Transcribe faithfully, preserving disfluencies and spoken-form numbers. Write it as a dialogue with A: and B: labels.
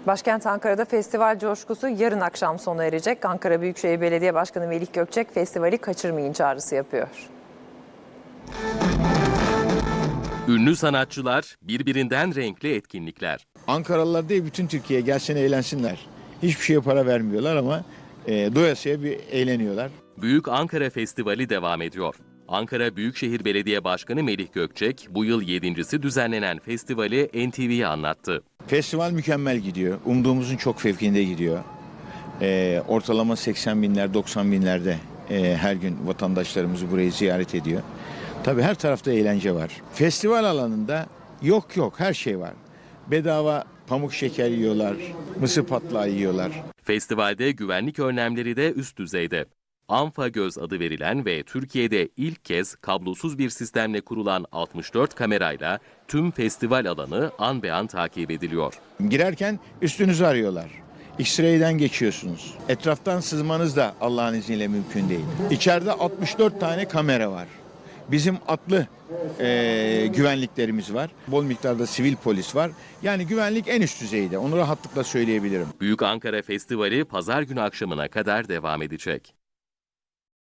A: Başkent Ankara'da festival coşkusu yarın akşam sona erecek. Ankara Büyükşehir Belediye Başkanı Melih Gökçek festivali kaçırmayın çağrısı yapıyor.
B: Ünlü sanatçılar, birbirinden renkli etkinlikler.
C: Ankaralılar değil, bütün Türkiye gelsin eğlensinler. Hiçbir şeye para vermiyorlar ama e, doyasıya bir eğleniyorlar.
B: Büyük Ankara Festivali devam ediyor. Ankara Büyükşehir Belediye Başkanı Melih Gökçek bu yıl yedincisi düzenlenen festivali N T V'ye anlattı.
C: Festival mükemmel gidiyor. Umduğumuzun çok fevkinde gidiyor. E, ortalama seksen binler, doksan binlerde e, her gün vatandaşlarımızı burayı ziyaret ediyor. Tabii her tarafta eğlence var. Festival alanında yok yok her şey var. Bedava pamuk şeker yiyorlar, mısır patlağı yiyorlar.
B: Festivalde güvenlik önlemleri de üst düzeyde. ANFA-Göz adı verilen ve Türkiye'de ilk kez kablosuz bir sistemle kurulan altmış dört kamerayla tüm festival alanı an be an takip ediliyor.
C: Girerken üstünüzü arıyorlar. X-ray'den geçiyorsunuz. Etraftan sızmanız da Allah'ın izniyle mümkün değil. İçeride altmış dört tane kamera var. Bizim atlı e, güvenliklerimiz var. Bol miktarda sivil polis var. Yani güvenlik en üst düzeyde. Onu rahatlıkla söyleyebilirim.
B: Büyük Ankara Festivali pazar günü akşamına kadar devam edecek.